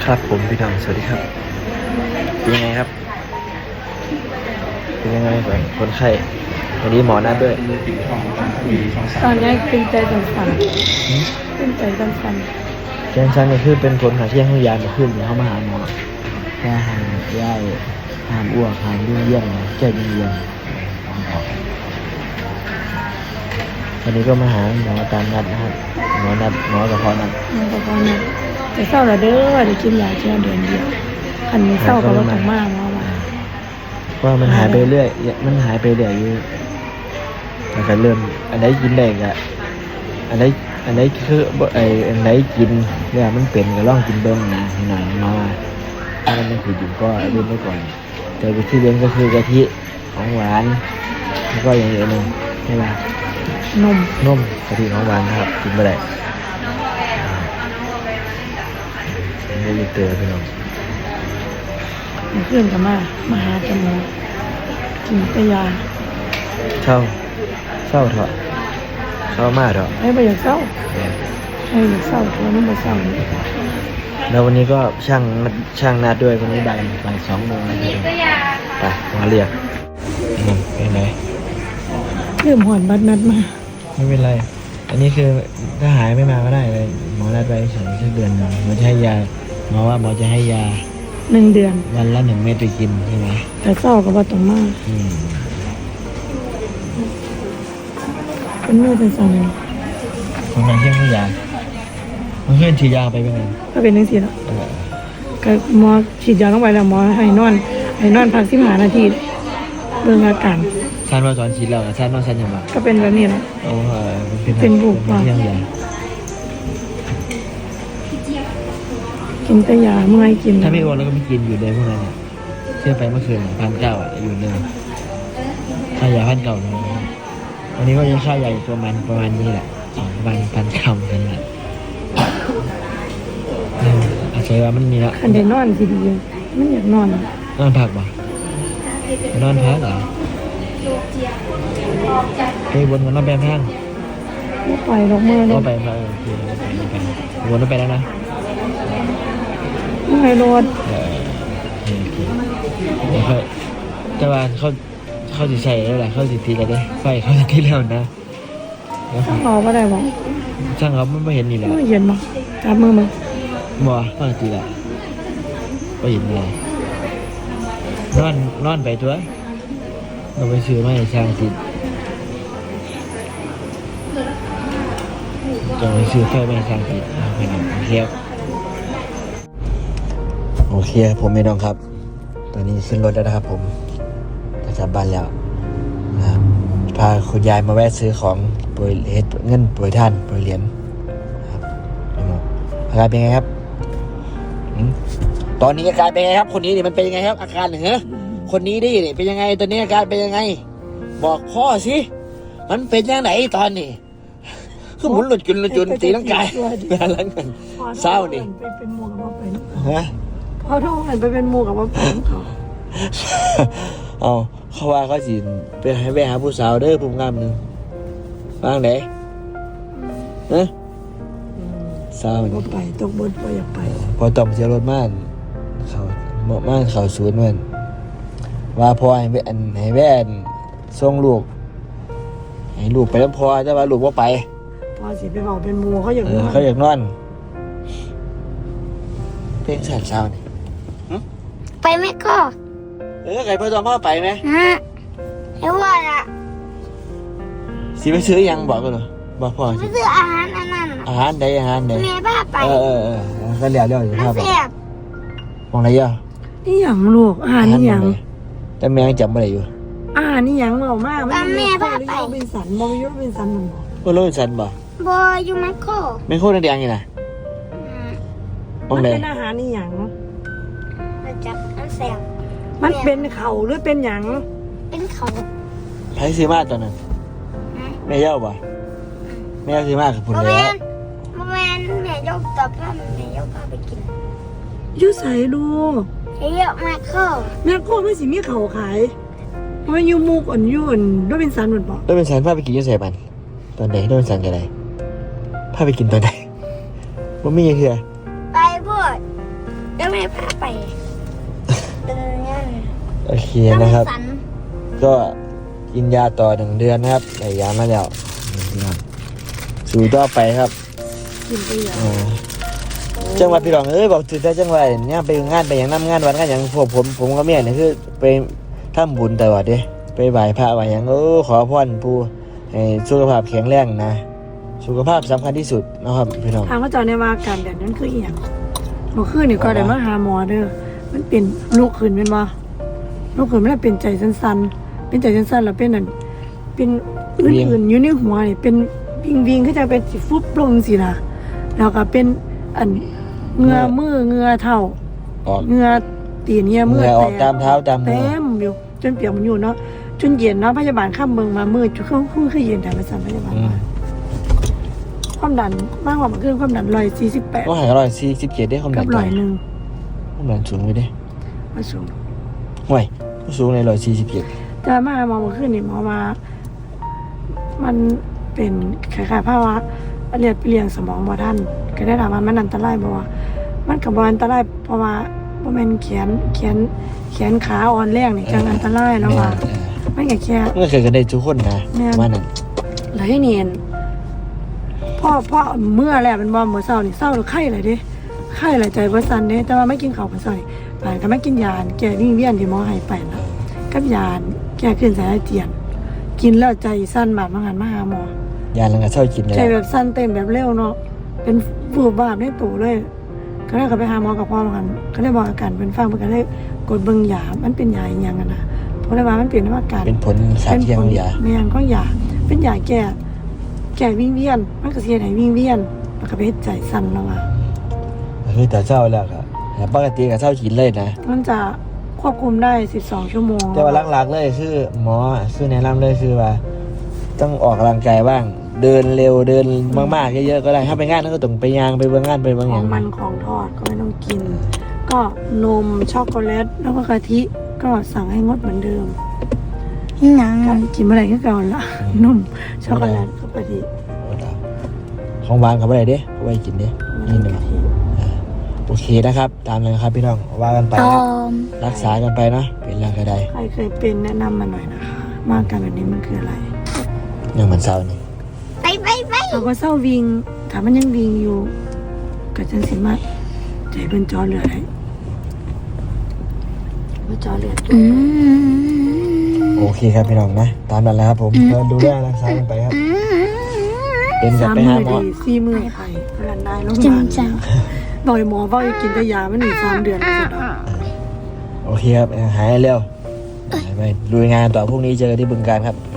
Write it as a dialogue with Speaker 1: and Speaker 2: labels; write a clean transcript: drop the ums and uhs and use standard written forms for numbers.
Speaker 1: ครับผมพี่น้องสวัสดีครับเป็นยังไงครับเป็นยังไงก่อนคนไข้วันนี้หมอนัดด้วย
Speaker 2: ตอนนี้ตื่นใจสั่นตื่นใจสั่น
Speaker 1: แจ้งชันก็คือเป็นผลหาเที่ยงห้องยามาขึ้นเขามาหาหมอแค่หามย่ายหามอ้วกหามยุ่งเยี่ยงแก้ยุ่งเยี่ยงวันนี้ก็มาหาหมอตามนัดนะครับหมอกระเพาะนัด
Speaker 2: แต่เศร้าละเด้อได้กินยาเที่ยวเดือนเดียวอันนี้เศร้าก็ว่าต้องมากมา
Speaker 1: ว่ามันหายไปเรื่อยมันหายไปเรื่อยอยู่มันก็เริ่มอันไหนกินได้ก็อันไหนคืออันไหนกินเนี่ยมันเป็นก็ลองกินเบิ้งหน่อยมาถ้ามันยังผิดอยู่ก็เล่นไว้ก่อนแต่วิธีเล่นก็คือกะทิของหวานแล้วก็อย่างอื่นนึงใช่ไหมนมกะทิของหวานนะครับกินไปได้ไม่ได้เตือนพี่น้อง
Speaker 2: เพื่อนกันมาหากันหมอกินแต่ยา
Speaker 1: เศร้าเถอะเศร้ามากเถอะ
Speaker 2: ไม่อยากเศร้าตัวนี้ไม่เศร้า
Speaker 1: แล้ววันนี้ก็ช่างนัดด้วยวันนี้บ่าย2 โมงนะครับไปมาเรียกเป็นไง
Speaker 2: เริ่มหอนบัดนัดมา
Speaker 1: ไม่เป็นไรอันนี้คือถ้าหายไม่มาก็ได้เลยหมอนัดไว้เฉยสักเดือนหนึ่งหมอจะให้ยาหมอว่าหมอจะให้ยา
Speaker 2: 1 เดือน
Speaker 1: วันละ1 เม็ดไปกินใช่ไหม
Speaker 2: แต่เศร้าก็ว่าต้องมากเป็นเมื่อเป็นสอง
Speaker 1: ของการเที่ยงให้ยาเพื่อนฉีดยาไปเป็นไง
Speaker 2: ก็เป็นทั้งสี่แล้วก็หมอฉีดยาลงไปแล้วหมอให้นอนพัก15 นาทีเรื่องอาการ
Speaker 1: ซันว่าสอนฉีดแล้วซันว่าซันยังไง
Speaker 2: ก็เป็นแบบนี้แหละ
Speaker 1: เป็น
Speaker 2: บุกว่ากินแต่ยาเมื่อยกิน
Speaker 1: ถ้าไม่อ้วนแล้วก็ไม่กินอยู่เลยพวกนั้นเชื่อไปเมื่อคืน1,900อยู่เลยค่ายา1,900วันนี้ก็ยังค่ายาอยู่ประมาณนี้แหละประมาณ1,900กันแหละอาศัยว่ามันนี่ละ
Speaker 2: คันได้นอนสิดีมันอยากนอน
Speaker 1: พักบ่นอนพักเหรอไปวนกันรอบแบบห้าง
Speaker 2: ไม่ปล่อยดอกมือเลย
Speaker 1: ไปวนไปแล้วนะ
Speaker 2: ไม่รถ
Speaker 1: แต่ว่าเขาสิใส่แล้วแหละเขาสิตีแล้วได้ไฟเขาสิตีแล้วนะ
Speaker 2: ช่างเขาก็ได้บอก
Speaker 1: ช่างเขาไม่เห็นนี่แหละ
Speaker 2: ไม่เห็นมั้งจับมือมึง
Speaker 1: บ่เขาตีแหละไม่เห็นเลยนอนไปตัวเราไปซื้อมาให้ช่างติดจะไปซื้อไฟมาให้ช่างติดไปหน่อยโอเคผมไม่ต้องครับตอนนี้ขึ้นรถแล้วนะครับผมจะกลับบ้านแล้วนะครับพาคุณยายมาแวะซื้อของโปรยเงินโปรยท่านโปรยเหรียญครับอาการเป็นไงครับตอนนี้อาการเป็นไงครับคนนี้นี่มันเป็นยังไงครับอาการเหรอคนนี้ดิเป็นยังไงตอนนี้อาการเป็นยังไงบอกพ่อสิมันเป็นยังไงตอนนี้คือหมุนหลุดจุนตีร่างกายเป็นอะไรกันเศร้านี่
Speaker 2: เป็นหมูกับว่าเป็น
Speaker 1: ฮะ
Speaker 2: พอท้องไปเป็นหมูกับว่าเป็น
Speaker 1: เขาว่าเขาสิไปให้แวะหาผู้สาวเด้อผู้งามนึงบ้างไหนฮะเศร้านี่
Speaker 2: ไปตกบนไปอยากไป
Speaker 1: พอต่อมเสียรถม่านเขาศูนย์มันว่าพอให้แว่นส่งลูกให้ลูกไปแล้วพอแต่ว่าลูกว่าไป
Speaker 2: พอสิไปบอกเป็นหมูเขาอยาก
Speaker 1: นอนเพลงสั่นเศร้านี่
Speaker 3: ไปไหมก็
Speaker 1: ใครพ่อตองพ่อไปไหม
Speaker 3: ไม่ว่าละ
Speaker 1: สิไปซื้อยังบอกกันเหรอบอกพ่อ
Speaker 3: สิซื้ออาหารอันนั้น
Speaker 1: อาหารใด
Speaker 3: แม่บ้าไป
Speaker 1: ก็เลี้ยวอยู่ภาพมองอะไรอ่ะ
Speaker 2: นี่อย่างลูกอาหารนี่อย่าง
Speaker 1: แต่แม่จำอะไรอยู่
Speaker 2: อาหารนี่อย่างเรามากแม่บ้าไปเป็นสันบอยเป็นสันหนึ่ง
Speaker 1: บ่โลเป็นสันบ่
Speaker 3: บอยอยู่แมคโคร
Speaker 1: นั่นแดงอยู่นะ
Speaker 2: มันเป็นอาหารนี่อย่าง
Speaker 3: จับอันแสบ
Speaker 2: มันเป็นเข่าหรือเป็นหยัง
Speaker 3: เป็นเข่า
Speaker 1: ไผซื้อมาตอนนั้นแม่เย้าบ่แม่ซื้อมากับพุ่นแล้ว
Speaker 3: แม่ยกตับผ้าแม่ยกผ้าไปกิน
Speaker 2: ยูใส่ลูก
Speaker 3: เยอะแมคโคร
Speaker 2: ไม่สิมีเข่าขายมันยูมูกอ่อนยุ่นด้วยเป็นสันหมดบ่
Speaker 1: ด้วยเป็นสันผ้าไปกินยูใส่มันตอนไหนด้วยเป็นสันกันไรผ้าไปกินตอนไหนว่ามีเหี้ย
Speaker 3: ไปพูดก็ไม่พาไปเดินเนี่ย
Speaker 1: โอเค
Speaker 3: ก็ไม่
Speaker 1: นะครับ
Speaker 3: สัน
Speaker 1: ก็กินยาต่อ1 เดือนนะครับได้ยามาแล้วพี่น้องสู่ต่อไปครับ
Speaker 2: กินไปอย่าง
Speaker 1: จังหวัดพี่น้องบอกถึงแต่จังหวัดเนี่ยไปงานไปอย่างน้ำงานวันกันอย่างพวกผมก็เมียเนี่ยคือไปทำบุญตลอดเด้ไปไหว้พระไหว้อย่างขอพรผู้ให้สุขภาพแข็งแรงนะสุขภาพสำคัญที่สุดนะครับพี่น้อง
Speaker 2: ทางเขาเจาในว่าการแบบนั้นคืออีหยังเมื่อคืนนี่ก็ได้มาหาหมอเด้อมันเป็นลูกขืนเป็นบ่ลูกขืนมันเป็นใจสั้นๆเป็นใจสั้นๆแล้วเป็นนั่นเป็นอื่นๆอยู่ในหัวนี่เป็นวิงๆก็จะเป็นสิฟุบลงสินะแล้วก็เป็นอันเหงือมือเหงือเท้า
Speaker 1: ออก
Speaker 2: เหงือตีนเหงือมื
Speaker 1: เหงื่อออกตามเท้าตามมือ
Speaker 2: เต็มอยู่จนเปียกมันอยู่เนาะจนเย็นเนาะพยาบาลข้ามเมืองมามืดจุดคือเย็นแต่ละสันพยาบาลมาความดันมากกว่ามันขึ้นความดัน148
Speaker 1: ก็หาย147ได้ความดั
Speaker 2: กับ
Speaker 1: น
Speaker 2: 101
Speaker 1: ความดันสูงไปเด้
Speaker 2: มาสูง
Speaker 1: ห่วยสูงใน147
Speaker 2: แต่มาหมอมาขึ้นนี่หมอมามันเป็นคล้ายๆภาวะเรียงสมองบ่ทันก็ได้ถามว่ามันอันตรายบ่ว่ามันก็บ่อันตรายเพราะว่าบ่แม่นแขนขาอ่อนแรงนี่จังอันตรายแล้วว่ามันก็แค่
Speaker 1: เมื่อเคยกันได้ทุกคนนะว่านั่น
Speaker 2: แล้วให้เนียนพ่อเมื่อแล้วมันบ่เมื่อเช้านี่เช้าแล้วไข้เลยเด้ไข้เลยใจบ่สั่นเด้แต่ว่าไม่กินข้าวเมื่อเช้านี่ป่านก็ไม่กินยาแก้วิงเวียนที่หมอให้ไปนะกับยาแก้ขึ้นสายอาเจียนกินแล้วใจสั่นบาดมาหันมาหาหมอย
Speaker 1: าลังกะเศร้ากินเลย
Speaker 2: ใจแบบสั่นเต้นแบบเร็วเนาะเป็นฟูบาบในตัวเลยก็เลยเขาไปหาหมอกับพ่อมากันก็เลยบอกอาการเป็นฟังเพิ่นก็เลยกดเบิ่งยามันเป็นยาอีหยังกันนะเพราะเลยว่ามันเป็นอาการ
Speaker 1: เป็นผลสารเทียมของยา
Speaker 2: แม่นก็ยาเป็นยาแก้วิงเวียนมันก็สิเฮ็ดให้วิงเวียนแล้วก็ไปเฮ็ดใจสั่นแล้วว่า
Speaker 1: คือแต่เศร้าแล้วครับแต่ปกติก็เศร้ากินเลยนะ
Speaker 2: มันจะควบคุมได้12ชั่วโมง
Speaker 1: แต่ว่าหลักๆเลยคือหมอคือแนะนำเลยคือว่า ต้องออกกำลังกายบ้าง เดินเร็วเดินมากๆเยอะๆก็ได้ถ้าไปงานก็ต้องไปยางไปเบิ่งงานไปเบิ่ง
Speaker 2: ข
Speaker 1: อ
Speaker 2: อย่าง
Speaker 1: ง
Speaker 2: มันของทอดก็ไม่ต้องกิน ก็นมช็อกโกแลตแล้วก็กะทิก็สั่งให้งดเหมือนเดิม
Speaker 3: หนัง
Speaker 2: การกินเมื่อไหร่ก็เก่าละนมช็อกโกแลตกับกะทิ
Speaker 1: ของหวานเขาไปไหนเด้เขาไปกินเด้นี่หนึ่ง
Speaker 2: กะทิ
Speaker 1: โอเคนะครับ ตามเลยครับพี่น้องว่ากันไป
Speaker 3: ต
Speaker 1: นะ
Speaker 3: อม
Speaker 1: รักษากันไปเนาะเป็นร่างกายใด
Speaker 2: ใครเคยเป็นแนะนำมาหน่อยนะคะว่าอาการแบบนี้มันคืออะไร
Speaker 1: ยังเหมือนเศร้านี่
Speaker 3: ไป
Speaker 2: เราก็เศร้าวิงถ้ามันยังวิงอยู่ก็จังสิมาใจเป็นจอเลือดได้ว่าจอเลือด
Speaker 3: อืม
Speaker 1: โอเคครับพี่น้องนะตามนั้นแหละครับผมก็ดูแลรักษากันไปครับ เป็นกับ
Speaker 2: 3
Speaker 1: ไป
Speaker 2: มื้
Speaker 1: หา
Speaker 2: อ
Speaker 1: หมอ
Speaker 2: ดี4มื้อไข่พลันได้โรงพ
Speaker 3: จริ
Speaker 2: ยาง บาล
Speaker 3: จัง
Speaker 2: บอกให้หมอว่าให้กินแต่ยามันอีก3 เดือนก็จะได้
Speaker 1: โอเคครับหายเร็วไปลุยงานต่อพรุ่งนี้เจอกันที่บึงการครับ